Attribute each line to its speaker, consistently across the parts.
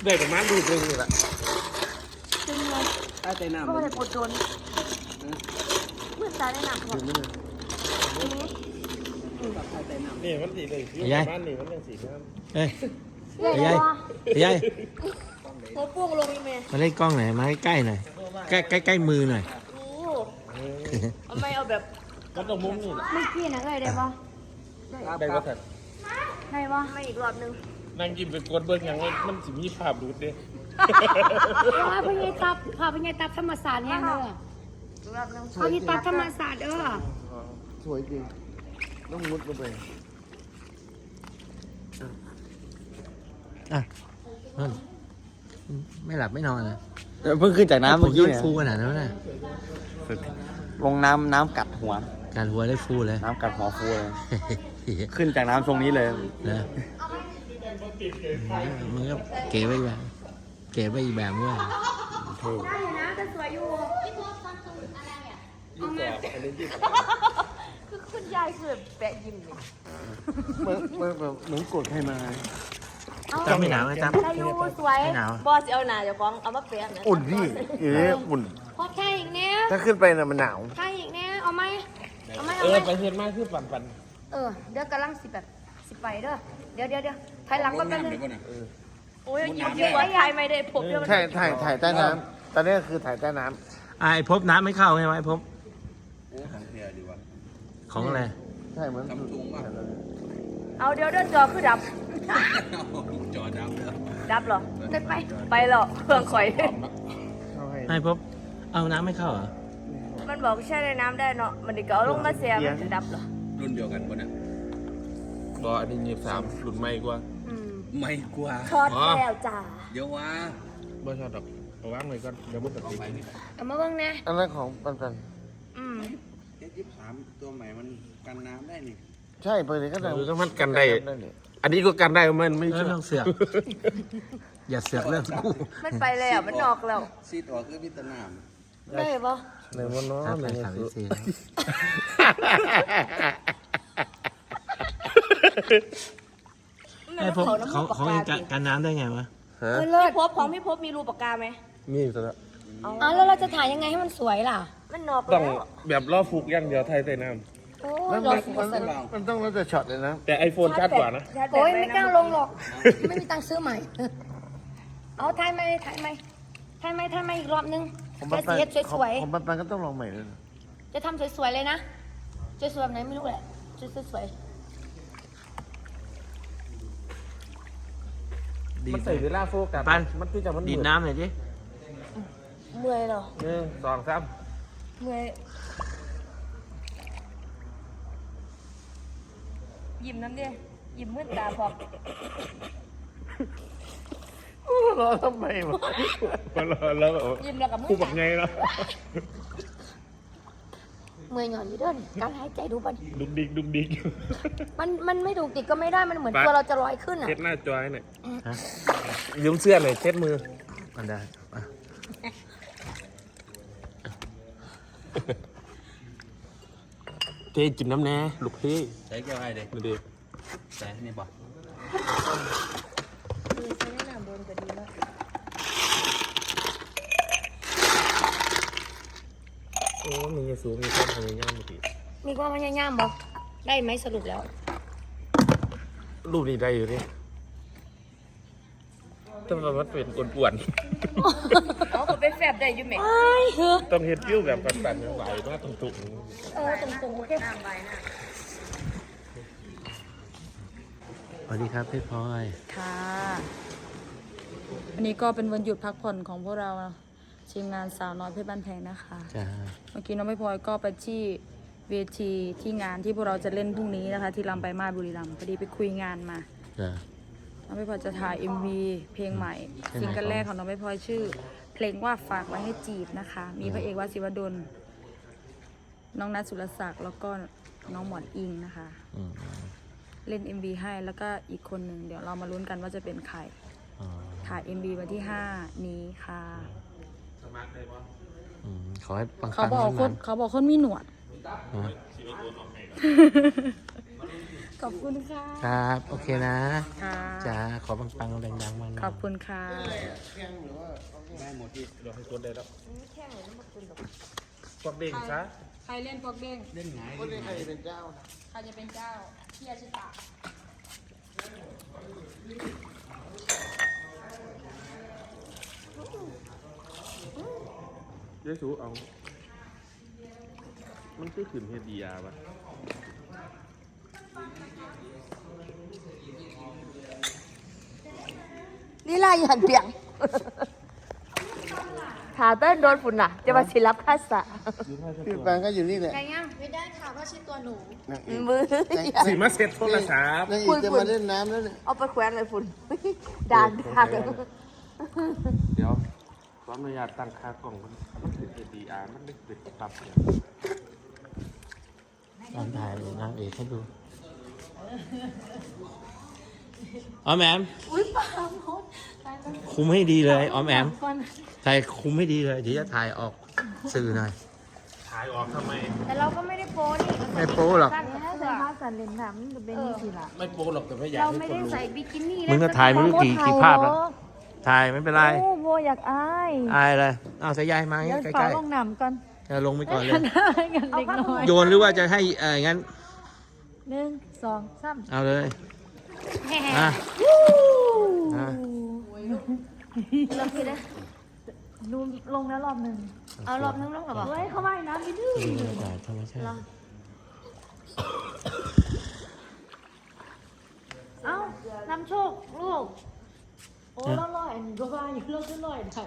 Speaker 1: เด็กกับม้าดูดเลยนี่แหละ
Speaker 2: จริงเลยใต้น้ำก็เลยปวดโดนเมื่อตายได้หนักหมด
Speaker 1: นี่มันสีเลยบ้านนี่มันเป็นสีน้ำ
Speaker 3: เฮ้ยยายยาย
Speaker 2: หัวปุ้งลงยังไง
Speaker 3: มาเล่นกล้องหน่อยมาใกล้ๆหน่อยใกล้มือหน่อย
Speaker 2: โอ้ทำไมเอาแบบ
Speaker 1: มันต้องมุ้งนี่
Speaker 2: ไม่ขี้นะเลยได้ปะ
Speaker 1: ได้ก็ถัด
Speaker 2: ได้ปะไม่อีกรอบนึง
Speaker 1: นั่งกินเป็นกวนเบิ้งอย่างมันสิมีภาพดูดเด้
Speaker 4: พาพญายตับพาพญายตับธรรมศาสตร์แห้งเด้อ
Speaker 2: อีกรอบนึง
Speaker 4: พาพญายตับธรรมศาสตร์เด้อ
Speaker 5: สวยจริงต้องมุดลงไป
Speaker 3: อ่ะไม่หลับไม่นอนเลย
Speaker 5: เพิ่งขึ้นจากน้ำ
Speaker 3: ผ
Speaker 5: เมื่
Speaker 3: ม
Speaker 5: อ
Speaker 3: ยื
Speaker 5: กี้
Speaker 3: ด
Speaker 5: เนี่ย
Speaker 3: ฟูขนาดนั้นเลย
Speaker 5: ลงน้ำกัดหัว
Speaker 3: การหัวได้ฟูเลย
Speaker 5: น้ำกัดหัวฟูเลย ขึ้นจากน้ำตรงนี้เลย
Speaker 3: นะมันก็เก๋ไปอีกแบบเก๋ไปอีกแบบด้วย
Speaker 4: ได้อยู่นะแต่สวยอยู่
Speaker 2: คือคุณยายคือแบบแปะยิ้มเลย
Speaker 5: เหมือนกดให้มา
Speaker 3: จ้าไม่หนาวไหมจ้า
Speaker 2: อายุสวย
Speaker 3: ไม่หนาว
Speaker 2: บอสเอาหนาจะฟ้องเอามาแปะนะ
Speaker 5: อุ่นพี่อุ่น
Speaker 4: พอแค่อีกเนี้ย
Speaker 5: ถ้าขึ้นไปน่ะมันหนาว
Speaker 4: แค่อีกเนี้ยเอาไหมเอาไหม
Speaker 1: เอ
Speaker 4: เอา
Speaker 1: อ
Speaker 4: ไหม
Speaker 1: ไปเห็นมากคือปั่น
Speaker 4: เดี๋ยวกำลังสิแบบสิไปเด้อเดี๋ยวถอยหลังก็แป๊บนึง
Speaker 2: โอ้ยยิ้มไว้ยายไม่ได้ผมเดียว
Speaker 5: ถ่ายใต้น้ำตอนนี้คือถ่ายใต้น้
Speaker 3: ไอ้พบน้ำไม่เข้าใช่ไหมพบของอะไร
Speaker 5: ำใช่เหมือน
Speaker 2: เอาเดี๋ยวจอคือดับ
Speaker 1: จอดำ
Speaker 2: ดับเหรอ
Speaker 4: เดินไป
Speaker 2: ไปเหรอเครื่องข่อย
Speaker 5: เข้าให้
Speaker 3: ไอ้พบเอาน้ำไม่เข้าเหรอ
Speaker 2: มันบอกแช่ในน้ำได้เนาะมันดิก็เอาลงมาเสียมันจะดับเหรอ
Speaker 6: รุ่นเดียวกันปะเนี่ย
Speaker 1: รออันนี้23หลุดไม่กว่า
Speaker 6: ไม่กว่า
Speaker 2: ช็อตแล้วจ้า
Speaker 6: เดี๋ยวว่า
Speaker 1: บ่ชอบดอกเอาวางไว้ก่อนเดี๋ยวมันตัดสิน
Speaker 4: เอามาเบิ่งนะ
Speaker 5: อันนั้นของปัน
Speaker 2: อืม
Speaker 6: 23ตัวใหม่มันกันน้ำได้นี่
Speaker 5: ใช่เปิดเลยก็ได้
Speaker 1: ถ้ามันกันได้อันนี้ก็กันได้มันไม่
Speaker 3: เออต้องเสือกอย่าเสือกเรื่องกู
Speaker 2: มันไปแล้วมันนอกแล้ว
Speaker 6: ซีดออกคือวิตาน้
Speaker 2: ได้ปะ
Speaker 5: ในวันน้อ
Speaker 3: ครับ
Speaker 5: ใน
Speaker 3: แฟน
Speaker 5: วัน
Speaker 3: สาว
Speaker 5: สุ
Speaker 3: ซี ไอ้พบเขาการน้ำได้ไงวะ
Speaker 5: ฮะ
Speaker 4: เลิศ
Speaker 2: พี่พบของพี่พบมีรูปากกาไหม
Speaker 1: มีซะแล้ว
Speaker 4: อ๋อแล้วเราจะถ่ายยังไงให้มันสวยล่ะ
Speaker 2: มันนอก
Speaker 1: ต้
Speaker 2: แล้
Speaker 1: อง
Speaker 2: ว
Speaker 1: แบบล่อฟุกอย่างเดียวไทยใส่น้
Speaker 4: โอ้
Speaker 5: มั
Speaker 4: ย
Speaker 5: น
Speaker 4: รอ
Speaker 5: มันต้องแล้วแต่ช็อตเลยนะ
Speaker 1: ำแต่ไอโฟนชัดกว่านะ
Speaker 4: โอ้ยไม่กล้าลงหรอก ไม่มีตังค์ซื้อใหม่ เอาถ่ายไหมอีกรอบนึง
Speaker 5: ผม
Speaker 4: จะ
Speaker 5: ปัน
Speaker 4: เสียสวย
Speaker 5: ผมปันก็ต้องลองใหม่เลย
Speaker 4: ๆจะทำสวยๆเลยนะสวยๆแบบไหนไม่รู้แหละสวย
Speaker 1: มันใส่เวลาโฟกัส
Speaker 3: ปัน
Speaker 1: มันคือจะมัน
Speaker 3: ดีดน้ำหน่อยดิ
Speaker 2: เมื่อยเหรอ
Speaker 1: 1 2 3
Speaker 2: เมื่อยยิ้มน้ำเดียยิ้มมืดตาพอก
Speaker 5: รอทำไมวะ
Speaker 1: แล้ว
Speaker 2: ยิ้มแล้วกับมื
Speaker 1: คู่
Speaker 2: ด
Speaker 1: บักไงเนาะ
Speaker 4: เมื่อยหย่อนอยู่เด้อนี่การหายใจดูปัน
Speaker 1: ดุกดิก
Speaker 4: มันไม่ถูกติดก็ไม่ได้มันเหมือนตัวเราจะลอยขึ้นอ่ะ
Speaker 1: เช็ดหน้าจอยหน่อย
Speaker 3: ฮะ
Speaker 1: ยืมเสื้อหน่อยเช็ดมือ
Speaker 3: มันได้อ่ะ
Speaker 1: เทจิบน้ำแน่ลูกพี่
Speaker 6: ำใช้แก้วไอ้เด็ก
Speaker 1: ดูดิ
Speaker 6: ใส่นี่บ่
Speaker 2: ใช้แนะนำโดนก็ดีมาก
Speaker 1: โอ้มีเยซูมีความพยายามเมื่อกี้
Speaker 4: มีความพยายามบอกได้ไหมสรุปแล้ว
Speaker 1: รูปนี้ได้อยู่ดิต้องมันเป็นป่วน
Speaker 2: เอาคนไปแฟบได้อยู่ไหม
Speaker 1: ๆต้องเฮ็ดฟิวแบบปั่นๆไหวมากตุ่ม
Speaker 4: ตรงๆโอเค
Speaker 2: น้ำใบน่ะ
Speaker 3: สวัสดีครับพี่พลอย
Speaker 7: ค่ะวันนี้ก็เป็นวันหยุดพักผ่อนของพวกเราทีมงานสาวน้อยเพชรบ้านแพงนะคะ
Speaker 3: จ้า
Speaker 7: เมื่อกี้น้องไม่พลอยก็ไปที่เวทีที่งานที่พวกเราจะเล่นพรุ่งนี้นะคะ ที่ลำไปมาศบุรีรัมย์พอดีไปคุยงานมา
Speaker 3: จ้า
Speaker 7: น้องไม่พลอยจะถ่าย MV เพลงใหม่ซิงเกิลแรกของน้องไม่พลอยชื่อ เพลงว่าฝากไว้ให้จีบนะคะ มีพระเอกวาสิวดลน้องนัทสุรศักดิ์แล้วก็น้องหมอนอิงนะคะ
Speaker 3: อืม
Speaker 7: เล่น MV ให้แล้วก็อีกคนหนึ่งเดี๋ยวเรามาลุ้นกันว่าจะเป็นใคร
Speaker 3: อ๋อ
Speaker 7: ถ่าย MV วันที่ 5 นี้ค่ะ
Speaker 3: ขอให้ปังๆ
Speaker 7: เขาบอกคนมีหนวด
Speaker 3: ฮะ
Speaker 7: ขอบคุณค่ะ
Speaker 3: ครับ โอเคนะ
Speaker 7: ค่ะ
Speaker 3: จ้าขอปังๆแรงๆมัน
Speaker 7: ขอบคุณค่ะ
Speaker 6: ได้หมดที่
Speaker 1: เดี๋ยวให้กดได้แล้วพวกเด้งซะ
Speaker 7: ใครเล่นปอกเด้ง
Speaker 6: เล่นไง
Speaker 5: คนนี้ใครเป็นเจ้า
Speaker 7: ใครจะเป็นเจ้าพี่อาชิตะ
Speaker 1: เดี๋ยวสูเอามันคือขืนเฮดียาปะ
Speaker 4: นี่ลายหันเปียงขาเต้นโดนฝุ่นน่ะ จะมาศิลปภาษา
Speaker 5: พี่แปงก็อยู่นี่แหละ
Speaker 4: ไงยัง
Speaker 8: ไม่ได้ค่ะเพราะชื่อตัวหนู
Speaker 5: นางเอก
Speaker 4: มือ
Speaker 1: สีมาเซ็ตโทรศัพท์
Speaker 5: นางเอกจะมาเล่นน้ำแล้วเนี่ย
Speaker 4: เอาไปแขวนเลยฝุ่นด่างด่าง
Speaker 1: เดี๋ยวขออนุญาตตั้งค่ากล่องมันคือเฮดีอามันไม่เป็นปรับเนี่ย
Speaker 3: ลองถ่ายนางเอกให้ดูออมแอม
Speaker 8: อุ้ยปลาหมด
Speaker 3: คุมให้ดีเลยออมแอมถ่ายคุมให้ดีเลยเดี๋ยวจะถ่ายออกสื่อหน่อย
Speaker 1: ถ่ายออกทำไม
Speaker 4: แต่เราก็ไม่ได้โป้นี่
Speaker 3: ไม่โป๊หรอก
Speaker 4: สั้นกับเสื้อ
Speaker 8: สันเลนน้ำจะเป็นนี่สิล่ะ
Speaker 1: ไม่โป๊หรอกแต่ไม่อยาก
Speaker 4: เรา
Speaker 1: ให้
Speaker 4: ไม่
Speaker 1: คน
Speaker 4: ได้
Speaker 1: รู้
Speaker 4: ใส่บิกินี่
Speaker 3: มึงก็ถ่ายไม่รู้กี่ภาพแล้วถ่ายไม่เป็นไร
Speaker 8: โอ้โบอยากอาย
Speaker 3: อายเลยเอาสายยายมา
Speaker 8: เดี๋ยว
Speaker 3: ใก
Speaker 8: ขอ
Speaker 3: ล้
Speaker 8: ลงน้ำก่อน
Speaker 3: ๆจะลงไปก่อนเลย
Speaker 8: กันเล็กน้อย
Speaker 3: โยนหรือว่าจะให้งั้น
Speaker 8: 1 2 3
Speaker 3: เอาเลยอ่ะอ่ะ
Speaker 4: เราคิดได้
Speaker 8: นูนลงแล้วรอบหนึ่ง
Speaker 4: เอารอบนึงรอบกับบอก
Speaker 8: เฮ้ยเข้ามาอีกน้ำไปดื้อ
Speaker 3: ดูบรรยากาศธรรมชาติ
Speaker 8: เอ้าน้ำโชคลูกโอ้แล้วลอยก็ว่าอยู่แล้วก็ลอยได้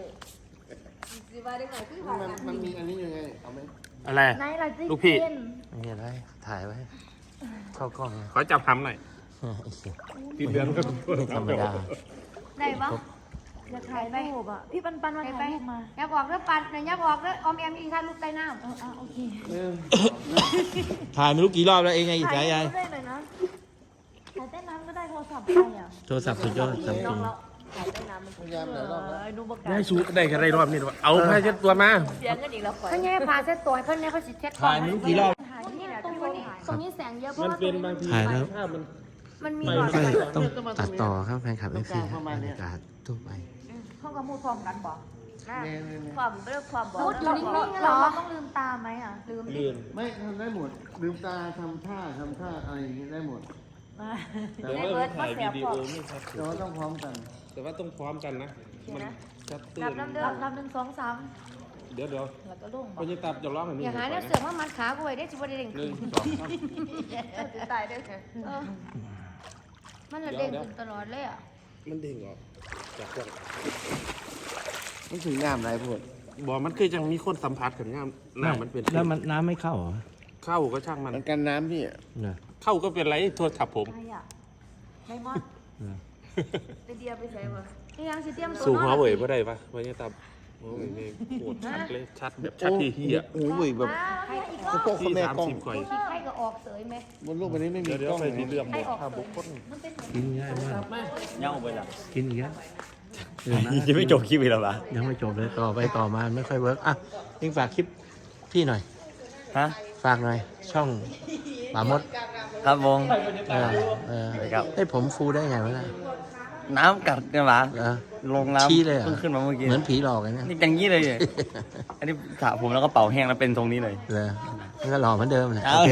Speaker 5: มันมีอันนี้ยังไงเอาไหม
Speaker 1: อะไร
Speaker 8: ไหนล่ะจิ๊
Speaker 1: ลูกพี่
Speaker 3: ไม่มีอะไรถ่ายไว้เข้ากล้องเลย
Speaker 1: ขอจับทำหน่อย
Speaker 3: ไอ้เหี้ย
Speaker 1: ทีเดือนก็
Speaker 3: ไม่ธรรมดา
Speaker 4: ได้ปะ
Speaker 8: อยากถ่ายรูปอ่ะพี่ปันมา
Speaker 4: ไป
Speaker 8: ถ่ายรูปมา
Speaker 4: ยับออกเด้อปัดเนี่ยยับออกเด้อออมแอมอีกท่านลูกใต้น้ำ
Speaker 8: โอเค
Speaker 3: ถ่ายไม่รู้กี่รอบแล้วเองไงสายยาย
Speaker 8: ได้เลยนะถ่ายเต้นน้ำก็ได้โทรศัพท์ใครอ่ะ
Speaker 3: โทรศัพท์สุดยอดซัมซุง
Speaker 5: พยายามหลายรอบแล้ว
Speaker 8: ดูประกา
Speaker 1: ได้
Speaker 8: ศ
Speaker 1: สูได้แค่ได้รอบนี้หรอเอาผ้าเช็ดตัวมา
Speaker 8: เสียงกันอีกแล้ว
Speaker 4: เพิ่นยังให้พาเซ็ตตัวให้เพิ่นเนี่ยเขาสิเช็ดก่อ
Speaker 3: ถ่าย
Speaker 4: น
Speaker 3: ไม่รู้กี่รอบ
Speaker 8: ถ่ายนี่แหละตรงนี้ตรงนี้แสงเยอะเพราะ
Speaker 1: มัน
Speaker 8: ว่าตร
Speaker 1: เป็น
Speaker 8: งนี้
Speaker 1: บางที
Speaker 3: ถ่ายแล้ว
Speaker 1: ภาพมัน
Speaker 4: มันมี
Speaker 3: ไม่
Speaker 4: หลอด
Speaker 3: ค่อย
Speaker 4: ไฟ
Speaker 3: ต้องตัดต่อครับแฟนคลับเอฟซีบรรยากาศทั่วไป
Speaker 8: ห้องกับมูดพร้อมกันบอก
Speaker 5: เนี่ย
Speaker 4: ความเรื่องความบอก
Speaker 8: มูดอยู่นิ่งๆเหรอต้องลืมตาไหมอ่ะลืม
Speaker 1: ลื่น
Speaker 5: ไม่ทำได้หมดลืมตาทำท่าอะไรอย่างนี้ได้หมด
Speaker 1: แต่ว่ามันถ่ายวิดีโอไม่ชัด
Speaker 5: แต่ว่าต้องพร้อมกัน
Speaker 1: แต่ว่าต้องพร้อมกันนะ มันชัดตื้
Speaker 4: นับ
Speaker 1: น
Speaker 4: น้ำเด้อ
Speaker 8: นับ1 2 3
Speaker 1: เดี๋ยว
Speaker 8: แล้วก็ลง
Speaker 1: พอจะตับจะร้องให้มึง
Speaker 4: อย่าหาเนี่ยเสือกมามัดขากูไว้ได้สิบ่ได้เด้ง
Speaker 1: หนึ่งสองสาม
Speaker 8: ตายได้ไง
Speaker 4: เออมันละเด้งขึ้นตลอดเลยอ่ะ
Speaker 1: มันเด้งออกจากพวก
Speaker 5: มันถึงงามไรพูด
Speaker 1: บอกมันคือยังมีคนสัมผัสกันงามหน้ามันเป็น
Speaker 3: แล้วมันน้ำไม่เข้าเหรอ
Speaker 1: เข้าก็ช่างมัน
Speaker 5: มันกันน้ำพี่
Speaker 3: เนอะ
Speaker 1: เข้าก็เป็นไรโทษทับผม
Speaker 8: ใครอ่ะไม่มอด
Speaker 3: เนอะ
Speaker 8: ไปเดียไปใส่บ่
Speaker 4: นี่ยังสิเตรียมตัว
Speaker 1: สู่
Speaker 4: น
Speaker 1: หัว
Speaker 4: อน
Speaker 1: เว่ยบ่ได้ปะวันนี้ตับโอ้ยนี่โคตรชัดเลยชัดแบบชัดที่เหี้ย
Speaker 5: โอ้ยแบบ
Speaker 4: ใครอีก
Speaker 5: พวกคนแม่กล้อง
Speaker 1: 30ก่อย
Speaker 4: ขี้ใครก็ออกเสยไหม
Speaker 5: บนโลกใบนี้ไม่มี
Speaker 1: เดี๋ยว
Speaker 5: กล้อง
Speaker 1: ไป
Speaker 5: เลย
Speaker 1: ที่เรื่องหมดภาพบุคคล
Speaker 3: กินง่ายมาก
Speaker 6: เน่าไปละ
Speaker 3: กินอีกแล้ว
Speaker 6: จะไม่จบคลิปอีกแล้วปะ
Speaker 3: ยังไม่จบเลยต่อไปต่อมาไม่ค่อยเวิร์กอ่ะยิงฝากคลิปพี่หน่อย
Speaker 6: ฮะ
Speaker 3: ฝากหน่อย ช่องป่ามด
Speaker 6: ครับวง ครับ
Speaker 3: ให้ผมฟูได้ไงวะล่ะ
Speaker 6: น้ำกัดกันหรอ
Speaker 3: เออ
Speaker 6: ลงน้ำ
Speaker 3: ชี้เลยเหรอ
Speaker 6: เพิ่งขึ้นมาเมื่อกี้
Speaker 3: เหมือนผีหลอกเลยเนี่ย
Speaker 6: นี่อย่างนี้เลย อันนี้สระผมแล้วก็เป่าแห้งแล้วเป็นทรงนี้เลย
Speaker 3: เลยมันก็หล่อเหมือนเดิมเลย
Speaker 6: เอา
Speaker 3: โอเค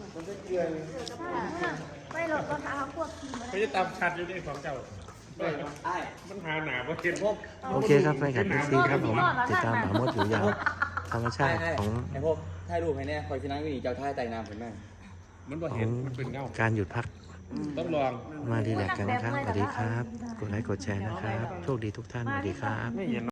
Speaker 4: ไม่หรอกก็ทาพวกทีม
Speaker 1: เขาจะตามชัดอยู่ในของเจ้ามันหาหนาเพราะเห็นพวก
Speaker 3: โอเคครับแฟนคลับซีครับผมติดตามป่ามดอยู่ยาวธรรมชาติของ
Speaker 6: ไอ้พวกถ่ายรูปให้แน่คอยชนะวิ่งเจ้าท่าไต่น้ำเห็นไหม
Speaker 1: มันบ่
Speaker 3: ขอ
Speaker 1: เห็น
Speaker 3: ง
Speaker 1: มันเป็นเงา
Speaker 3: การหยุดพัก
Speaker 1: ต้องลอง
Speaker 3: มาดีแลกซ์กันนะครับสวัสดีครับ กดไลค์กดแชร์นะครับ โชคดีทุกท่านสวัสดีครับ
Speaker 1: ไม่เห็น